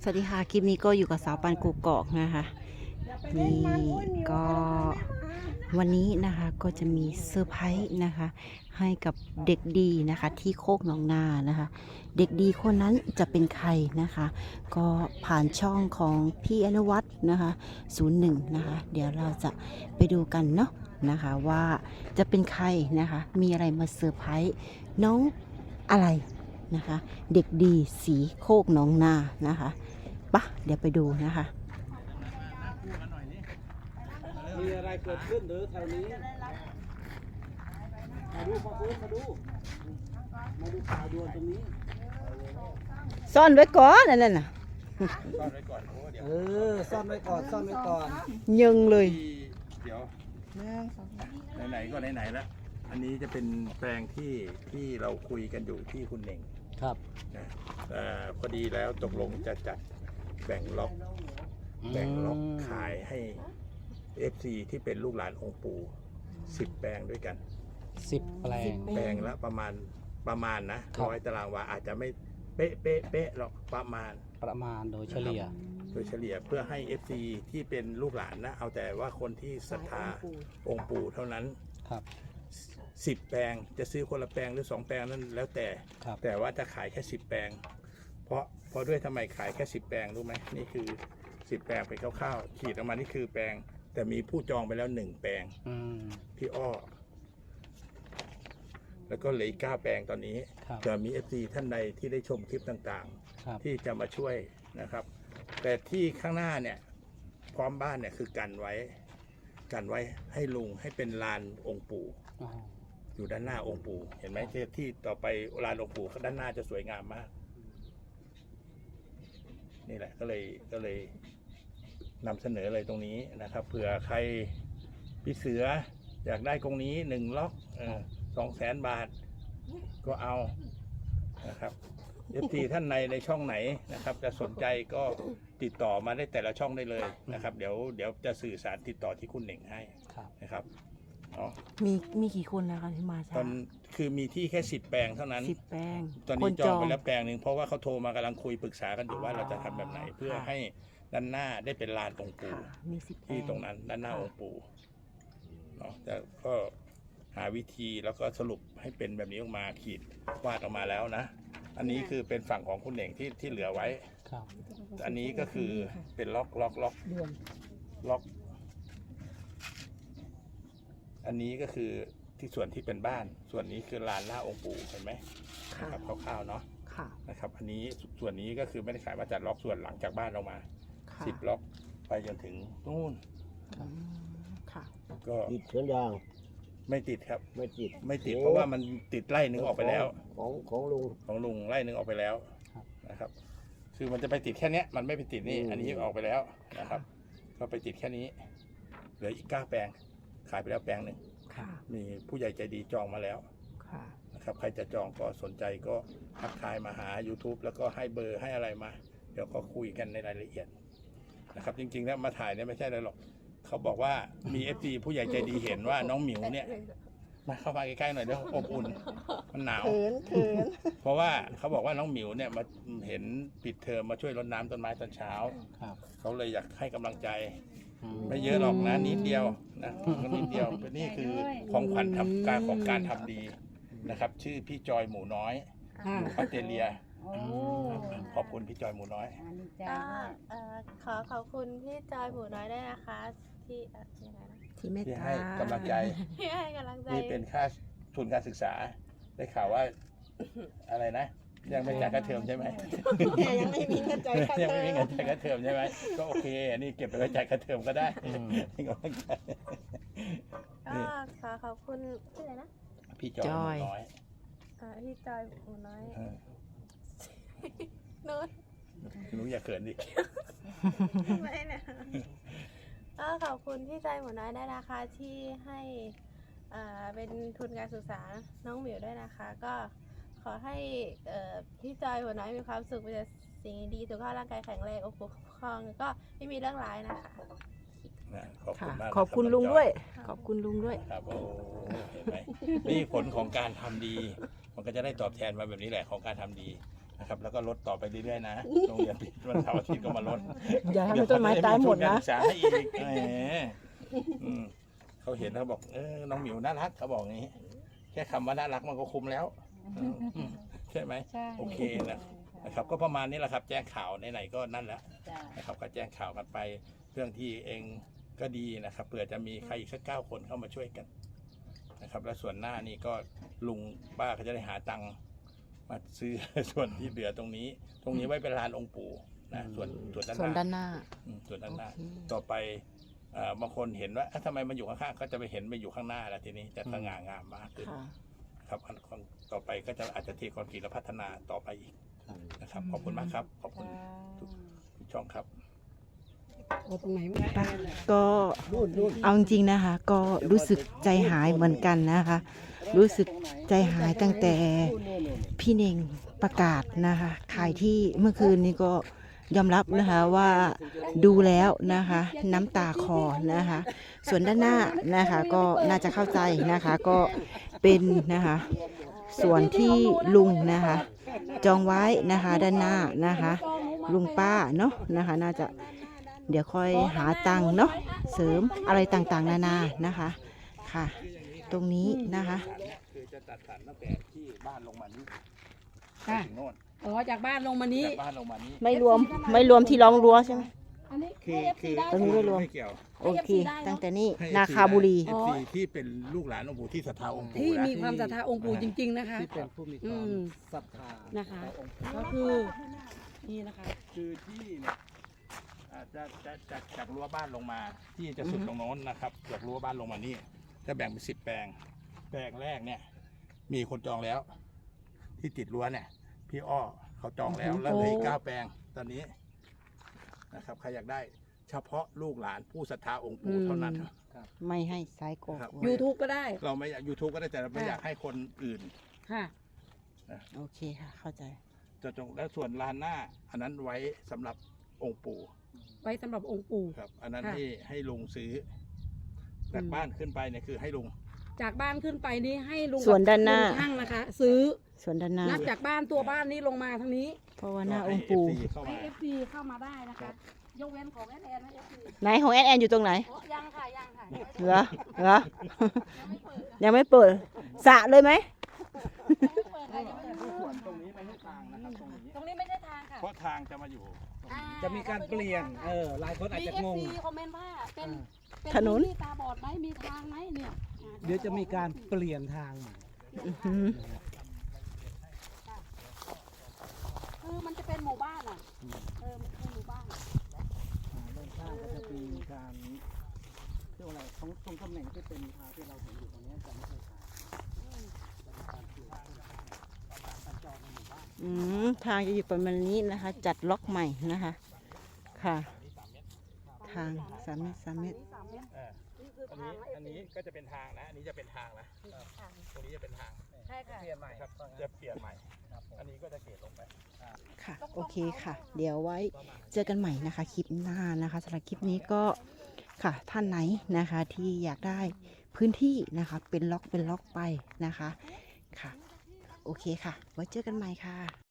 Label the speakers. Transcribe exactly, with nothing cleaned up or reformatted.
Speaker 1: สวัสดีค่ะคลิปนี้ก็อยู่กับสาวปันกูกอกนะคะนี่ก็วันนี้นะคะก็จะมีเซอร์ไพรส์นะคะให้กับเด็กดีนะคะที่โคกหนองนานะคะเด็กดีคนนั้นจะเป็นใครนะคะก็ผ่านช่องของพี่อนุวัฒน์นะคะศูนย์หนึ่งนะคะเดี๋ยวเราจะไปดูกันเนาะนะคะว่าจะเป็นใครนะคะมีอะไรมาเซอร์ไพรส์น้องอะไรนะคะเด็กดีสีโคกหนองนานะคะปะเดี๋ยวไปดูนะคะ
Speaker 2: มีอะไรเกิดขึ้นหรือแถวนี้มาดูมาดูมาดูมาดูข่าวด่วนตรงนี้
Speaker 1: ซ่อนไว้ก่อนนั่นน่ะ
Speaker 3: ซ่อนไว้ก่อนโอ้เดี๋ยว
Speaker 2: เออซ่อนไว้ก่อนซ่อนไว้ก่อน
Speaker 1: ยึงเลย
Speaker 3: ที่เดี๋ยวไหนๆก็ไหนๆแล้วอันนี้จะเป็นแปลงที่ที่เราคุยกันอยู่ที่คุณเหน่ง
Speaker 2: ครับ
Speaker 3: นะเอ่อพอดีแล้วตกลงจะจัดแบ่งล็อกแบ่งล็อกขายให้ เอฟ ซี ที่เป็นลูกหลานองค์ปู่สิบแปลงด้วยกัน
Speaker 2: สิบแปลง
Speaker 3: แปลงละประมาณประมาณนะครับ ร้อยตารางวาอาจจะไม่เป๊ะเป๊ะเป๊ะหรอกประมาณ
Speaker 2: ประมาณโดยเฉลี่ย
Speaker 3: โดยเฉลี่ยเพื่อให้ เอฟ ซี ที่เป็นลูกหลานนะเอาแต่ว่าคนที่ศรัทธาองค์ปู่เท่านั้น
Speaker 2: ครับ
Speaker 3: สิบแปลงจะซื้อคนละแปลงหรือสองแปลงนั้นแล้วแต่
Speaker 2: ครับ
Speaker 3: แต่ว่าจะขายแค่สิบแปลง เพราะเพราะด้วยทำไมขายแค่สิบแปลงรู้ไหมนี่คือสิบแปลงเป็นคร่าวๆขีดออกมานี่คือแปลง แต่มีผู้จองไปแล้วหนึ่งแปลง
Speaker 2: อืม
Speaker 3: พี่อ้อ แล้วก็เหลืออีกเก้าแปลงตอนนี้
Speaker 2: ครับ
Speaker 3: จะมี เอฟ ซี ท่านใดที่ได้ชมคลิปต่าง
Speaker 2: ครับ
Speaker 3: ๆ ที่จะมาช่วยนะครับ แต่ที่ข้างหน้าเนี่ยพร้อมบ้านเนี่ยคือกันไว้กันไว้ให้ลุงให้เป็นลานองค์ปู่
Speaker 2: อ๋อ
Speaker 3: อยู่ด้านหน้าองค์ปู่เห็นไหมที่ที่ต่อไปลานองค์ปู่ด้านหน้าจะสวยงามมาก นี่แหละก็เลยก็เลยนำเสนอเลยตรงนี้นะครับเผื่อใครพี่เสืออยากได้ตรงนี้หนึ่งล็อกสองแสนบาทก็เอานะครับเอฟทีท่านในในช่องไหนนะครับ จะสนใจก็ติดต่อมาได้แต่ละช่องได้เลยนะครับ เดี๋ยวเดี๋ยวจะสื่อสารติดต่อที่คุณเหน่งให้
Speaker 2: ครับ
Speaker 3: นะครับเนาะ
Speaker 1: มีมีกี่คนนะคะที่มา
Speaker 3: ต
Speaker 1: ช้า
Speaker 3: อนคือมีที่แค่สิบแปลงเท่านั้น
Speaker 1: สิบแปลง
Speaker 3: ตอน
Speaker 1: ค
Speaker 3: นี้
Speaker 1: น
Speaker 3: จองไปแล้วแปลงหนึ่งเพราะว่าเขาโทรมากำลังคุยปรึกษากันอยู่ว่าเราจะทำแบบไหน เพื่อให้ด้านหน้าได้เป็นลานองค์ปู่
Speaker 1: ค่ะมีสิบแปล
Speaker 3: ที่
Speaker 1: ง
Speaker 3: ตรงนั้นด้านหน้าองค์ปู่เนาะแต่ก็หาวิธีแล้วก็สรุปให้เป็นแบบนี้ออกมาขีดวาดออกมาแล้วนะ อันนี้คือเป็นฝั่งของคุณเหน่งที่ที่เหลือไว้
Speaker 2: ครับ
Speaker 3: อันนี้ก็คือเป็นล็อกล็อกล็อกล็อก อันนี้ก็คือที่ส่วนที่เป็นบ้าน ส่วนนี้คือลานหน้าองค์ปู่เห็นไหม
Speaker 1: ค่ะ
Speaker 3: นะครับคร่าวๆเนาะ
Speaker 1: ค่ะ
Speaker 3: นะครับ อันนี้ส่วนนี้ก็คือไม่ได้ขายมาจัดล็อกส่วนหลังจากบ้านเรามา
Speaker 1: ค่ะ
Speaker 3: สิบล็อกไปจนถึงนู่น
Speaker 1: อืมค่ะ
Speaker 3: ก็
Speaker 4: ติดสวนยาง
Speaker 3: ไม่ติดครับ
Speaker 4: ไม่ติด
Speaker 3: ไม่ติดเพราะว่ามันติดไล่หนึ่งออกไปแล้ว
Speaker 4: ของของลุง
Speaker 3: ของลุงไล่หนึ่งออกไปแล้วนะครับ คือมันจะไปติดแค่เนี้ยมันไม่ไปติดนี่
Speaker 4: อืม
Speaker 3: อันนี้ออกไปแล้วนะครับ ก็ไปติดแค่นี้เหลืออีกเก้าแปลงขายไปแล้วแปลงหนึ่ง
Speaker 1: ค่ะ
Speaker 3: มีผู้ใหญ่ใจดีจองมาแล้ว
Speaker 1: ค่ะ
Speaker 3: นะครับใครจะจองก็สนใจก็ทักทายมาหา YouTube แล้วก็ให้เบอร์ให้อะไรมา เดี๋ยวก็คุยกันในรายละเอียดนะครับจริงๆแล้วมาถ่ายเนี่ยไม่ใช่อะไรหรอกเขาบอกว่ามี เอฟ ซี ผู้ใหญ่ใจดีเห็นว่าน้องหมิวเนี่ยมาเข้ามาใกล้ๆหน่อยเดี๋ยวอบอุ่นมันหนาว
Speaker 1: เขินเขิน
Speaker 3: เพราะว่าเขาบอกว่าน้องหมิวเนี่ยมาเห็นปิดเทอมมาช่วยรดน้ำต้นไม้ตอนเช้า
Speaker 2: ครับ
Speaker 3: เขาเลยอยากให้กำลังใจ
Speaker 2: อืม
Speaker 3: ไม่เยอะหรอกนะนิดเดียวนะนิดเดียวนี่คือของขวัญทำการของการทำดีนะครับ ชื่อพี่จอยหมูน้อยอยู่ออสเตรเลีย
Speaker 5: โอ้
Speaker 3: ขอบคุณพี่จอยหมูน้อย
Speaker 5: อันนี้ใจ
Speaker 6: ก็
Speaker 5: มาก
Speaker 6: เอ่อขอขอบคุณพี่จอยหมูน้อยด้วยนะคะ ที่เอ่อยังไงนะ
Speaker 1: ที่เมต
Speaker 3: ที่
Speaker 1: ตา
Speaker 3: ให้กำลังใจ
Speaker 6: ที่ให้กำลังใจ
Speaker 3: นี่เป็นค่าทุนการศึกษา ได้ข่าวว่าอะไรนะ ยังไม่จ่ายค่าเทอมใช่ไหม
Speaker 1: ยังไม่มีเงินใจายค่า
Speaker 3: ยัง
Speaker 1: เท
Speaker 3: ไม่
Speaker 1: อ
Speaker 3: มี
Speaker 1: ม
Speaker 3: เงินจ่ายค่าเทอมใช่ไหมก็โอเคอันนี้เก็บไปไว้จ่ายค่าเทอมก็ได้ให้กำลังใจ
Speaker 6: ก็ขอขอบคุณชื่ออะไรนะ
Speaker 3: พี่จอยหมูน้อย
Speaker 6: เอ่อพี่จอยหมูน้อย
Speaker 3: เออ
Speaker 6: นู้น
Speaker 3: หนูอย่าเขินดิ
Speaker 6: ไม่นะก็ขอบคุณพี่จอยหมูน้อยด้วยนะคะที่ให้เอ่อเป็นทุนการศึกษาน้องหมิวด้วยนะคะ ก็ขอให้เอ่อพี่จอยหมูน้อยมีความสุขมีแต่สิ่งดีสุขภาพร่างกายแข็งแรงโอ้โหครองก็ไม่มีเรื่องร้ายนะคะ
Speaker 3: นะขอบคุ
Speaker 1: ค่ะ
Speaker 3: ณมาก
Speaker 1: ขอบคุณลุงด้วย ขอบคุณลุงด้วย
Speaker 3: ครับโอ้เห็นไหมนี่ผลของการทำดี มันก็จะได้ตอบแทนมาแบบนี้แหละของการทำดีนะครับ แล้วก็ลดต่อไปเรื่อยๆนะโรงเรียนปิดวันเสาร์อาทิตย์ก็มาลด
Speaker 1: อย่าให้ต้นไม้ตายหมดนะ
Speaker 3: เยวเขาจมีทุการศึกษาให้อีกแหมอืมเขาเห็นเขาบอกเออน้องหมิวน่ารักเขาบอกอย่างนี้ แค่คำว่าน่ารักมันก็คุ้มแล้วอืมใช่ไหม
Speaker 4: ใช่
Speaker 3: โอเคนะนะครับ ก็ประมาณนี้แหละครับ แจ้งข่าวไหนๆก็นั่นแหละ
Speaker 4: จ้ะ
Speaker 3: นะครับก็แจ้งข่าวกันไปเรื่องที่เองก็ดีนะครับเผื่อจะมีใครอีกสักเก้าคนเข้ามาช่วยกันนะครับ แล้วส่วนหน้านี่ก็ลุงป้าเขาจะได้หาตังค์มาซื้อ ส่วนที่เหลือตรงนี้ ตรงนี้ไว้เป็นลานองค์ปู่นะส่วนส่วนด้าน
Speaker 1: ส่วน
Speaker 3: ห
Speaker 1: ด้า
Speaker 3: น้าน
Speaker 1: หน้า
Speaker 3: อืมส่วนด้านหน้า
Speaker 1: โอเค
Speaker 3: ต่อไปเอ่อบางคนเห็นว่าเอ๊ะทำไมมันอยู่ข้างๆก็จะไปเห็นไปอยู่ข้างหน้าแล้วทีนี้จะสง่างามมากขึ้น
Speaker 1: ค่ะ
Speaker 3: ครับอันคนต่อไปก็จะอาจจะเทคอนกรีตและพัฒนาต่อไปอีกนะครับ ขอบคุณมากครับ ขอบคุณทุกทุกช่องครับ
Speaker 1: ก็เอาจริงๆนะคะ ก็รู้สึกใจหายเหมือนกันนะคะ รู้สึกใจหายตั้งแต่พี่เน่งประกาศนะคะขายที่เมื่อคืนนี้ก็ยอมรับนะคะว่าดูแล้วนะคะ น้ำตาคลอนะคะ ส่วนด้านหน้านะคะก็น่าจะเข้าใจนะคะ ก็เป็นนะคะส่วนที่ลุงนะคะ จองไว้นะคะด้านหน้านะคะ ลุงป้าเนาะนะคะ น่าจะเดี๋ยวค่อยหาตังค์เนาะเสริมอะไรต่างๆนานานะคะค่ะ ตรงนี้นะคะ
Speaker 3: คือจะตัดสันตั้งแต่ที่บ้านลงมานี้ไป
Speaker 4: ค่ะ
Speaker 3: ถึงโน่น
Speaker 4: อ๋อจากบ้านลงมานี้
Speaker 3: จากบ้านลงมานี้
Speaker 1: ไม่รวมไม่รวมที่ล้อมรั้วใช่ไหม
Speaker 4: อันนี้
Speaker 3: คือคือ
Speaker 1: ตรงนี้ไม่รวม
Speaker 3: ไม่เกี่ยว
Speaker 1: โอเค ตั้งแต่นี้
Speaker 3: ให้
Speaker 1: นาคาบุรี
Speaker 3: เอฟซีที่เป็นลูกหลานองค์ปู่ที่ศรัทธาองค์ปู่
Speaker 4: ที่
Speaker 3: นะ
Speaker 4: มีความศรัทธาองค์ปู่จริง ๆ นะคะ
Speaker 2: ที่เป็นผู้มีความ
Speaker 4: อืม
Speaker 2: ศรัทธา
Speaker 4: นะคะ
Speaker 2: ต่อองค์
Speaker 4: ก็คือนี่นะคะ
Speaker 3: คือที่เนี่ยอ่าจะจะจากจากรั้วบ้านลงมา ที่จะสุดตรงโน้นนะครับจากรั้วบ้านลงมานี่จะแบ่งเป็นสิบแปลง แปลงแรกเนี่ย มีคนจองแล้ว ที่ติดรั้วเนี่ย พี่อ้อเขาจองแล้วแล้วเหลืออีกเก้าแปลงตอนนี้นะครับใครอยากได้ เฉพาะลูกหลานผู้ศรัทธาองค์ปู่เท่านั้น
Speaker 1: ไม่ให้สายโก
Speaker 3: ครับ
Speaker 4: ยูทูบก็ได้
Speaker 3: เราไม่ยูทูบก็ได้แต่เราไม่
Speaker 4: ค่ะ
Speaker 3: อยากให้คนอื่น
Speaker 4: ค่ะ
Speaker 1: โอเคค่ะ เข้าใจ
Speaker 3: จะจงแล้วส่วนลานหน้า อันนั้นไว้สำหรับองค์ปู่
Speaker 4: ไว้สำหรับองค์ปู่
Speaker 3: ครับ อันนั้น
Speaker 4: ค่ะ
Speaker 3: ให้ให้ลุงซื้อจาก
Speaker 4: อืม
Speaker 3: บ้านขึ้นไปเนี่ยคือให้ลุง
Speaker 4: จากบ้านขึ้นไปนี่ให้ลุง
Speaker 1: ส่วนด้านหน้า
Speaker 4: ลุงช่างนะคะ ซื้อ
Speaker 1: ส่วนด้านหน้า
Speaker 4: นับจากบ้านตัวบ้านนี้ลงมาทางนี้
Speaker 1: เพราะว่าหน้าองค์
Speaker 3: ให้
Speaker 1: ปู่
Speaker 3: เอฟซีเข้า
Speaker 4: ให้
Speaker 3: มา
Speaker 4: เอฟซีเข้ามาได้นะ
Speaker 3: ครั
Speaker 4: คะ
Speaker 3: บ
Speaker 4: ยกเว้นของแอนแอนนะเอฟซี
Speaker 1: ไหนของแอนแอนอยู่ตรงไหน
Speaker 4: ยังค่ะยังค่ะ
Speaker 1: เหรอเหรอ ยังไม่เปิดสระเลยไหม
Speaker 3: ส่วนตรงนี้ไม่ใช่ทางนะครับตรงนี้
Speaker 4: ตรงนี้ไม่ใช่ทางค่ะ
Speaker 3: เพราะทางจะมาอยู่
Speaker 4: อ่
Speaker 2: จะมีการเปลี่ยน เออ หลายคนอาจ
Speaker 4: มี
Speaker 2: จะ
Speaker 4: เอฟ
Speaker 2: งง
Speaker 4: ซีคอมเมนต์ว่าเป็นเป็
Speaker 1: ถนน
Speaker 4: ที่ตาบอดไหมมีทางไหมเนี่ยอ่า
Speaker 2: เดี๋ยวจะมีการเปลี่ยนทางใหม่
Speaker 1: อื้อหือ
Speaker 4: คือมันจะเป็นหมู่บ้านอ่ะเออมันเป็นหมู่บ้าน
Speaker 2: ด้านข้างก็จะมีการเรียกว่าอะไรตรงตรงตำแหน่งที่เป็นทางที่เราเห็นอยู่ตรงนี้จะไม่ใช่ทางจะมีการเปลี่ยนการจองในหมู่บ้าน
Speaker 1: อืมทางจะอยู่ประมาณนี้นะคะ จัดล็อกใหม่นะคะ ค่ะ ทางสามเมตรสามเมตร
Speaker 4: สามเมตร
Speaker 3: เออ
Speaker 4: นี่คือ
Speaker 3: อัน
Speaker 4: ทา
Speaker 3: นี้
Speaker 4: ง
Speaker 3: อันนี้ก็จะเป็นทางนะ อันนี้จะเป็นทางนะตรงนี้จะเป็นทาง
Speaker 4: ใช่ค่ะ
Speaker 2: เปลี่ยนใหม่
Speaker 3: นะครับจะเปลี่ยนใหม่ อันนี้ก็จะเกตลงไป
Speaker 1: ค่ะ โอเคค่ะ เดี๋ยวไว้เจอกันใหม่นะคะ คลิปหน้านะคะสำหรับคลิปนี้ก็ค่ะท่านไหนนะคะ ที่อยากได้พื้นที่นะคะ เป็นล็อกเป็นล็อกไปนะคะ ค่ะ โอเคค่ะ ไว้เจอกันใหม่ค่ะ